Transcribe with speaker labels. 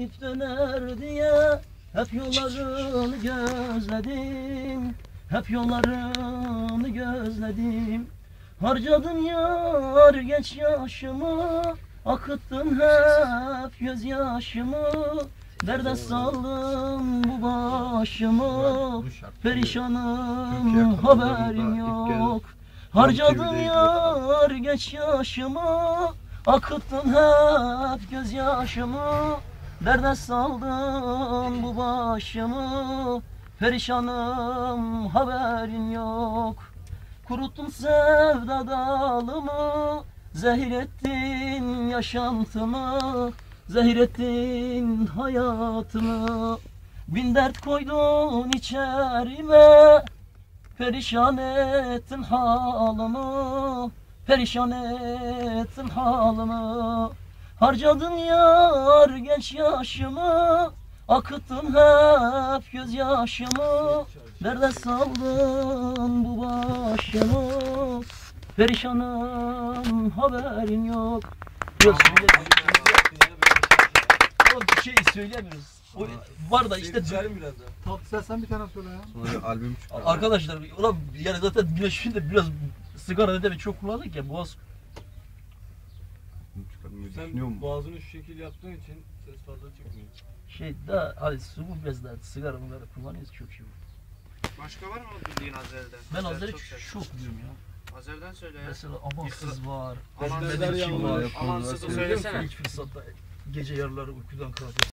Speaker 1: gelip döner diye hep yollarını gözledim. Hep yollarını gözledim. Harcadın yar genç yaşımı, akıttın hep gözyaşımı. Derde saldım bu başımı, perişanım haberim yok. Harcadın yar genç yaşımı, akıttın hep gözyaşımı. Derde saldım bu başımı, perişanım haberin yok. Kuruttun sevda dalımı, zehir ettin yaşantımı, zehir ettin hayatımı. Bin dert koydun içerime, perişan ettin halımı, perişan ettin halımı. Harcadın yar genç yaşımı, akıttın hep gözyaşımı. Derde saldın bu başımı, perişanım haberin yok. Yok bir şey söylemiyoruz. O var da işte
Speaker 2: Tatlı sen bir tane söyle ya.
Speaker 3: Sonra albüm çıkar.
Speaker 1: arkadaşlar ulan yani zaten güneşinde biraz sigara da çok kullandık ya boğaz.
Speaker 2: Sen boğazını şu şekil yaptığın için ses fazla çıkmıyor.
Speaker 1: Şey daha hadi su biraz daha sigara bunları kullanıyoruz çok şey.
Speaker 4: Başka var mı bildiğin Azer'den?
Speaker 1: Ben
Speaker 4: Azer
Speaker 1: Azer'i
Speaker 4: çok
Speaker 1: çok biliyorum ya.
Speaker 4: Azer'den söyle ya.
Speaker 1: Mesela amansız var.
Speaker 4: Amansız
Speaker 1: Benim için var.
Speaker 4: Amansız'ı söylesene.
Speaker 1: İlk fırsatta gece yarıları uykudan kalkıp